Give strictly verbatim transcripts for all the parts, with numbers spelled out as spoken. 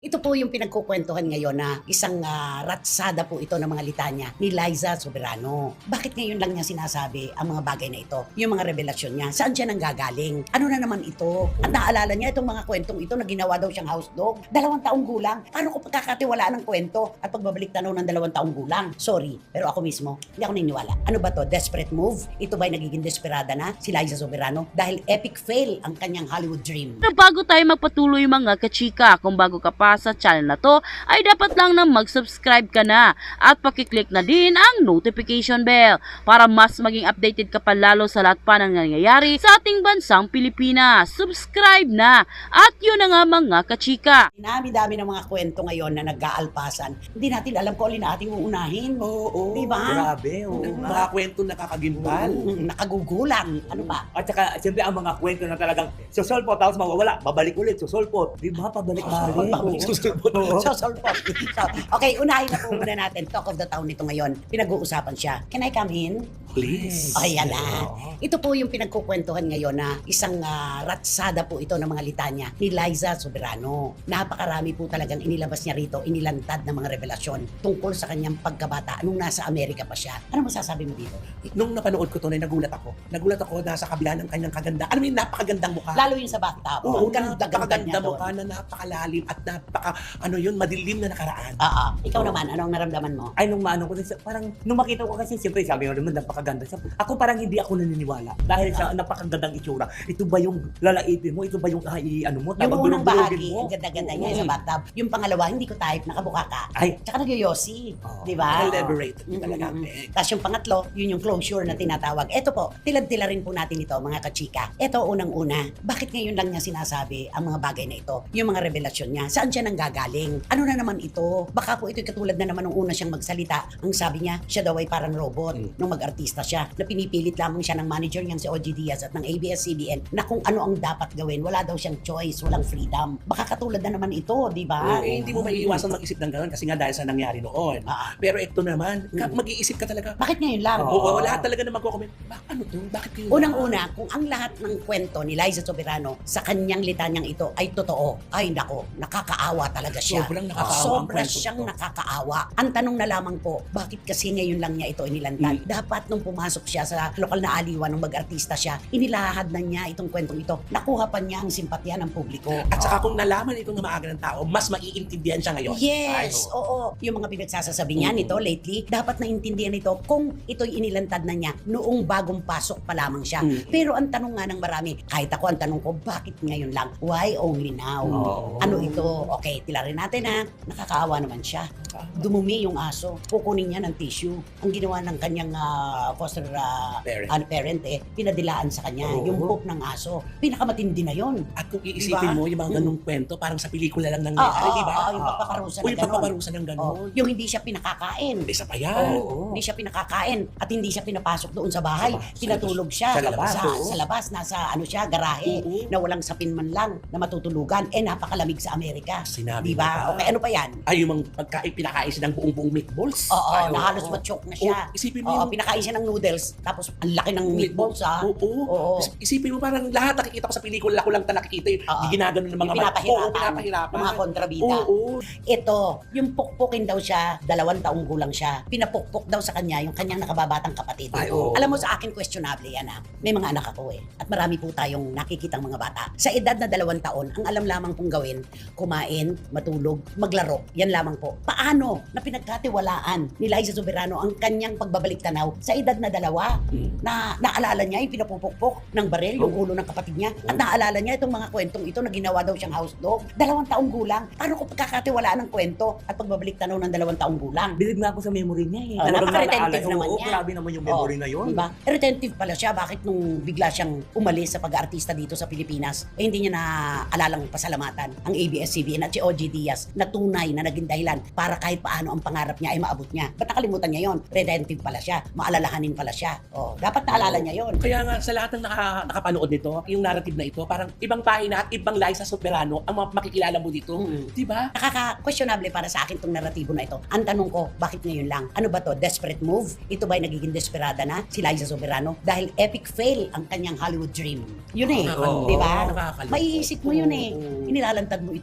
Ito po yung pinagkukwentuhan ngayon na isang ah, ratsada po ito ng mga litanya ni Liza Soberano. Bakit ngayon lang niya sinasabi ang mga bagay na ito? Yung mga revelasyon niya. Saan siya nanggagaling? Ano na naman ito? At naalala niya itong mga kwentong ito na ginawa daw siyang house dog. Dalawang taong gulang. Paano ko pagkakatiwalaan ng kwento at pagbabalik tanaw ng dalawang taong gulang? Sorry, pero ako mismo, hindi ako naniniwala. Ano ba to? Desperate move? Ito ba'y nagiging desperada na si Liza Soberano? Dahil epic fail ang kanyang Hollywood dream. Na bago tayo magpatuloy mga kachika, kung bago ka pa sa channel na to, ay dapat lang na mag-subscribe ka na at pakiclick na din ang notification bell para mas maging updated ka pa lalo sa lahat pa ng nangyayari sa ating bansang Pilipinas. Subscribe na! At yun na nga mga kachika. Dami-dami ng mga kwento ngayon na nag-aalpasan. Hindi natin alam kung alin ating uunahin. Oo, oo. Diba? Grabe, oo. Mm. Mga kwento nakakagimbal. Mm, nakagugulang. Ano ba? At saka, siyempre, ang mga kwento na talagang susolpot, tapos mawawala, babalik ulit, susolpot. Di ba? Pabalik-balik. Pabalik. Susolpot. So, solpot. So, okay, unahin na po muna natin. Talk of the town nito ngayon. Pinag-uusapan siya. Can I come in? Please. O, yan na. Oo. Ito po yung pinagkukwentuhan ngayon na isang ah, ratsada po ito ng mga litanya ni Liza Soberano. Napakarami po talagang inilabas niya rito, inilantad ng mga revelasyon tungkol sa kanyang pagkabata nung nasa Amerika pa siya. Ano masasabi mo dito? Nung napanood ko to, na nagulat ako. Nagulat ako nasa kabila ng kanyang kaganda. Ano yung napakagandang mukha? Lalo yung sa bathtub. Oo, Ang ganda-ganda napakaganda niya doon. mukha na napakalalim at napaka, ano yun, madilim na nakaraan. Oo. Ikaw naman, anong naramdaman mo? Ay, nung maano ko, parang, nung makita ko kasi, siyempre, sabi ko naman, napakaganda siya. Ako parang hindi ako naniniwala. Dahil sa napakagandang itsura. Ito ba yung lalaitin mo? Ito ba yung, ay, ano mo? Yung Tawag, unang dulog-dulogin bahagi, mo? ang ganda-ganda niya Oo. sa bathtub. Yung pangalawa, hindi ko type, nakabuka ka. Ay, Tsaka nagyoyosi. Oo. Di ba? Elaborate. Mm, Talaga. mm, mm. Eh, Tapos yung pangatlo, yun yung closure na tinatawag. Ito po, tilad-tila rin po natin ito, mga kachika. Ito, unang-una, bakit ngayon lang niya sinasabi ang mga bagay na ito? Yung mga revelasyon niya, saan siya nanggagaling? Ano na naman ito? Baka po ito'y katulad na naman nung una siyang magsalita. Ang sabi niya, siya daw ay parang robot Mm. nung mag-artista siya. Na pinipilit lamang siya ng manager niyang si O G Diaz at ng A B S C B N na kung ano ang dapat gawin. Wala daw siyang choice, walang freedom. Baka katulad na naman ito, di ba? eh, hindi mo maiiwasan mag-isip ng gano'n kasi nga dahil sa nangyari noon. Ah, Pero ito naman, ka- Mm. mag-iisip ka talaga. bakit ngayon lang? Oo, Oo. lahat talaga na magko-comment. Bakit ano to? Bakit kayo? Unang-una, kung ang lahat ng kwento ni Liza Soberano sa kanyang litanyang ito ay totoo, ay nako, nakakaawa talaga siya. Sobrang nakakaawa ang Sobra kwento siyang to. nakakaawa. Ang tanong na lamang po, bakit kasi ngayon lang niya ito inilantad? Mm. Dapat nung pumasok siya sa lokal na aliwan, nung mag-artista siya, inilahad na niya itong kwentong ito. Nakuha pa niya ang simpatya ng publiko. At saka kung nalaman ito ng maaga ng tao, mas maiintindihan siya ngayon. Yes, Ay, oo. Yung mga pinagsasasabi niya Oo. nito lately, dapat naintindihan nito kung ito'y inilantad na niya noong bagong pasok pa lamang siya. Mm. Pero ang tanong nga ng marami, kahit ako ang tanong ko, bakit ngayon lang? Why only now? Oo. Ano ito? Okay, tilarin natin ha. Nakakaawa naman siya. Dumumi yung aso. Kukunin niya ng tissue. Ang ginawa ng kanyang ah, foster ah, Parent. ano, parent eh, pinadilaan sa kanya. Oo. Yung poop ng aso. Pinakamatindi na yon. At kung iisipin Diba? mo, yung mga ganung kwento, parang sa pelikula lang Oo, nangyayari, di ba? oo, yung papaparusa O na yung gano'n. papaparusa ng Oh, gano'n. yung hindi siya pinakakain. Isa pa yan. Oo. Hindi siya pinakakain at hindi siya pinapasok doon sa bahay. Sa- Pinatulog siya sa labas, sa, oo. sa labas, nasa ano siya, garahe Oo. na walang sapin man lang na matutulugan. Eh napakalamig sa Amerika. Sinabi Di ba? mo pa. Okay, ano pa yan? Ay, yung mga pagkain, pinakain siya ng buong-buong meatballs. Oo, Ay, na oo. halos machoke na siya. Oo, isipin mo Oo, yung- pinakain siya ng noodles tapos ang laki ng meatballs ha. Oo. Oo. Is- Isipin mo parang lahat nakikita ko sa pelikula, ako lang ta nakikita yung Oo. ginagano ng mga Yung pinapahirapan. Oo, pinapahirapan. Ng mga kontrabida. Oo. Ito, yung pukpukin daw siya, dalawang taong gulang siya. Pinapukpok daw sa kanya yung kanyang nakababatang kapatid. Ay, oo. Alam mo sa akin questionable yan ha. May mga anak ako eh. At marami po tayong nakikitang mga bata. Sa edad na dalawang taon, ang alam lamang pong gawin, kumain, matulog, maglaro. Yan lamang po. Paano na pinagkatiwalaan ni Liza Soberano ang kanyang pagbabalik tanaw sa edad na dalawa? Hmm. Na naalala niya yung pinapupukpok ng baril, yung ulo ng kapatid niya. At naalala niya itong mga kwentong ito na ginawa daw siyang house dog. Dalawang taong gulang. Paano ko pagkakatiwalaan ng kwento at pagbabalik tanaw ng dalawang taong gulang? bilib na ako sa memory niya eh. Ah, Talagang napaka-retentive naalala- naman oo, niya. grabe naman yung memory Oo, na yun. Diba? Retentive pala siya. Bakit nung bigla siyang umalis sa pag-aartista dito sa Pilipinas, eh hindi niya na alalang pasalamatan ang A B S C B N at si O G Diaz na tunay na naging dahilan para kahit paano ang pangarap niya ay maabot niya. Ba't nakalimutan niya yon? Retentive pala siya. Maalalahanin pala siya. Oh, dapat naalala niya yon. Kaya nga, sa lahat ng naka, nakapanood nito, yung narrative na ito, parang ibang pahina at ibang Liza Soberano ang mga makikilala mo dito. Mm. Di ba? Nakaka-questionable para sa akin tong naratibo na ito. Ang tanong ko, bakit ngayon lang? Ano ba to? Desperate move? Ito ba'y nagiging desperada na si Liza Soberano? Dahil epic fail ang kanyang Hollywood dream. Yun eh. Oo, di ba? nakakalungkot. Maiisip mo yun eh. Oo. Inilalantad mo ito ngayon.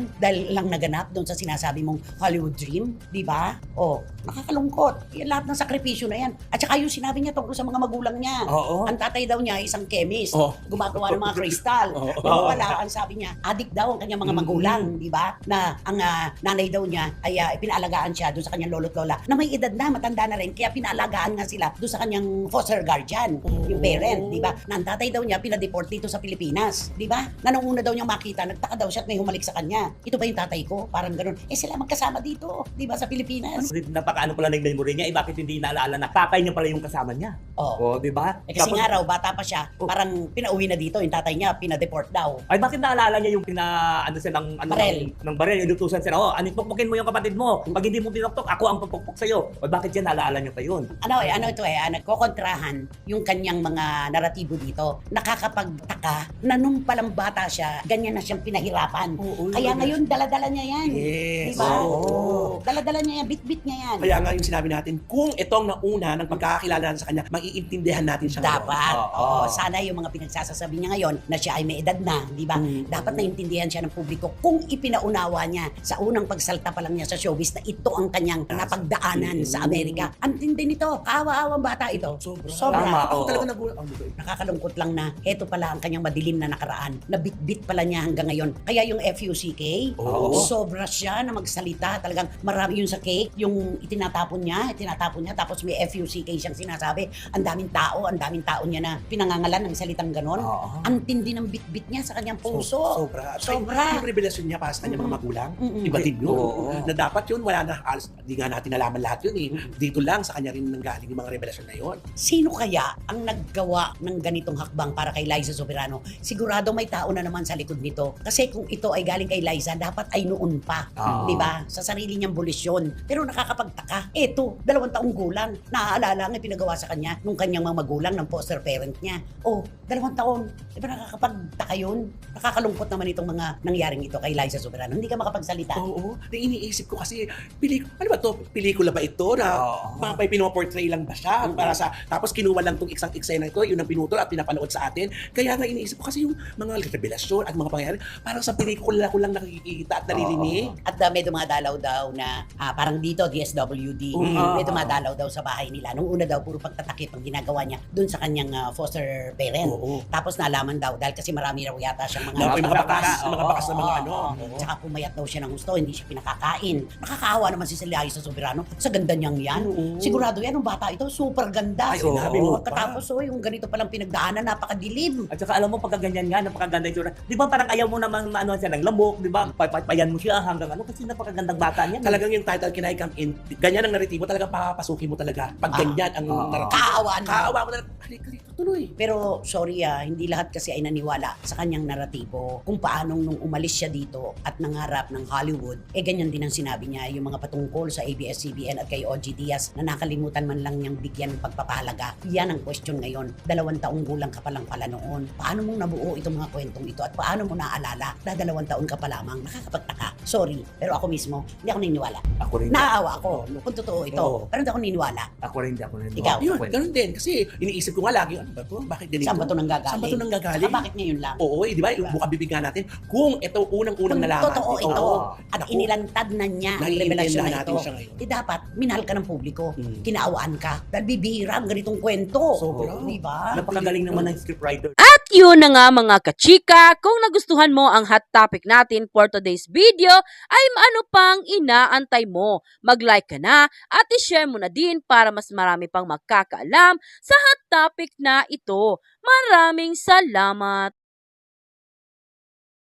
dahil lang naganap doon sa sinasabi mong Hollywood dream, di ba? O, nakakalungkot. Yan lahat ng sakripisyo na yan. At saka yung sinabi niya tungkol sa mga magulang niya. Oo. Ang tatay daw niya ay isang chemist, Oh. gumagawa ng mga kristal. Oo. Pero wala, ang sabi niya, adik daw ang kanyang mga Mm. magulang, di ba? Na ang ah, nanay daw niya ay ah, pinaalagaan siya doon sa kanyang lolo't lola na may edad na, matanda na rin, kaya pinaalagaan nga sila doon sa kanyang foster guardian, yung parent, di ba? Na ang tatay daw niya pinadeport dito sa Pilipinas, di ba? Na nung una daw niyang makita, nagtaka daw siya at may humalik sa kanya. Ito ba yung tatay ko? Parang ganun. Eh sila magkasama dito, di ba, sa Pilipinas? Napakaano pala ng memory niya, eh bakit hindi naalala na tatay niya pala yung kasama niya? Oh. Oh, di ba? Eh, kasi Tapos- nga raw, bata pa siya, Oh. parang pinauwi na dito, yung tatay niya, pinadeport daw. Ay, bakit naalala niya yung pina, ano siya, ng, ano, Barel. ng, ng barel, inutusan siya, oh, anin, pukpukin mo yung kapatid mo. Pag hindi mo pinuktok, ako ang pupukpok sa'yo. O bakit yan, naalala niya pa yun? Ano eh, ano ito eh, ah, nagkokontrahan yung kanyang mga naratibo dito. Nakakapagtaka na nung palang bata siya, ganyan na siyang pinahirapan. Oo, Kaya yun. ngayon, dala-dala niya yan. Yes. Diba? Oo. Dala-dala niya yan, bit-bit niya yan. Kaya nga yung sinabi natin, kung itong nauna ng pagkakakilala natin sa kanya, maiintindihan natin siya ngayon. Dapat. Oo. Oo, sana yung mga pinagsasasabi niya ngayon na siya ay may edad na, di ba? Mm. Dapat naintindihan siya ng publiko kung ipinaunawa niya sa unang pagsalta pa lang niya sa showbiz na ito ang kanyang napagdaanan sa Amerika. Ang tindi nito, kawa-awang bata ito. Sobra. Sobra. Tama, Ako oo. talaga nagulat. Oh, diba? Nakakalungkot lang na eto pala ang kanyang madilim na nakaraan. Nabitbit pala niya hanggang ngayon. Kaya yung F U C K, Oo. sobra siya na magsalita. Talagang marami yung sa cake, yung itinatapon niya, itinatapon niya, tapos may F U C K siyang sinasabi. Ang daming tao, ang daming tao niya na pinangangalan ng salitang ganon. Oo. Ang tindi ng bitbit niya sa kanyang puso. Sobra. At Sobra. Yung revelasyon niya para sa kanyang mga magulang, Mm-mm. iba din yun. Oo. Na dapat yun, wala na, alas, di nga natin nalaman lahat yun eh. Dito lang, sa kanya rin nanggaling yung mga revelasyon na yun. Sino kaya ang naggawa ng ganitong hakbang para kay Liza Soberano? Sigurado may tao na naman sa likod nito. Kasi kung ito ay galing kay Liza, dapat ay noon pa. Oo. Di ba? Sa sarili niyang bulisyon. Pero nakakapagtaka. Eto, dalawang taong gulang. Naaalala ang pinagawa sa kanya nung kanyang mga magulang ng foster parent niya. Oh, dalawang taon. Di ba nakakapagtaka yun? Nakakalungkot naman itong mga nangyaring ito kay Liza Soberano. Hindi ka makapagsalita. Oo. Na iniisip ko kasi, pelik ano ba to? Pelikula ba ito na Oo. mga may pinoportray lang ba siya? Mm. Para sa, tapos kinuha lang tong isang eksena ito, yun ang pinutol at pinapanood sa atin. Kaya nga iniisip ko kasi yung mga revelasyon at mga pangyayari, parang sa pelikula ko lang nakikita at naririnig. At uh, may dumadalaw daw na ah, parang dito D S W D. Mm. May dumadalaw daw sa bahay nila. Nung una daw puro pagtatakip ang ginagawa niya dun sa kanyang ah, foster parent. Oo. Tapos nalaman daw dahil kasi marami raw yata siyang mga Na, may mga bakas, Oo, mga bakas na mga Oo, ano. oo. Tsaka pumayat daw siya ng gusto, hindi siya pinakakain. Nakakaawa naman si Liza Soberano sa ganda niyang yan. Oo. Sigurado yan, ang bata ito, super ganda. Ay, sinabi mo pa. Pagkatapos, oh, yung ganito palang pinagdaanan, napakadilim. At saka alam mo, pagkaganyan nga, napakaganda yung tsura. Di ba parang ayaw mo naman ano siya ng lamok, di ba? Papayan mo siya hanggang ano, kasi napakagandang bata niya. Talagang yung title, Can I Come In, ganyan ang naritibo, talagang papapasukin mo talaga. Pag Ah. ganyan ang Oo. naratibo. Kaawaan mo. Kaawa mo talaga. Halika dito, tuloy. Pero sorry ah, hindi lahat kasi ay naniwala sa kanyang naratibo kung paanong nung umalis siya dito at nangarap ng Hollywood, eh ganyan din ang sinabi niya yung mga patungkol sa A B S C B N at kay O G Diaz na nakalimutan man lang niyang bigyan ng pagpapahalaga. Yan ang question ngayon. Dalawang taong gulang ka pa lang pala noon. Paano mong nabuo itong mga kwentong ito at paano mo naaalala na dalawang taon ka pa lamang? Nakakapagtaka. Sorry, pero ako mismo, hindi ako naniniwala. Ako rin. Naaawa ako kung totoo ito. Oo. Pero hindi ako naniniwala. Ako rin, ako rin. Ikaw? Yun, ganun din. Kasi iniisip ko nga lagi, ano ba to? Bakit ganito? Saan ba ito nanggagaling? Saan ba ito nanggagaling? Saka bakit ngayon lang? Oo, eh, di ba? Yung buka bibigyan natin. Kung ito unang-unang Kung nalaman. totoo ito, Oo. at Naku, inilantad na niya ang naiintindihan revelasyon na natin ito, siya ngayon. eh dapat minahal ka ng publiko, Mm. kinaawaan ka, dahil bibihira ang ganitong kwento. Sobra. Di ba? Napakagaling naman ng scriptwriter. At yun na nga mga kachika, kung nagustuhan mo ang hot topic natin for today's video, ay ano pang inaantay mo? Mag-like ka na at i-share mo na din para mas marami pang magkakaalam sa hot topic na ito. Maraming salamat!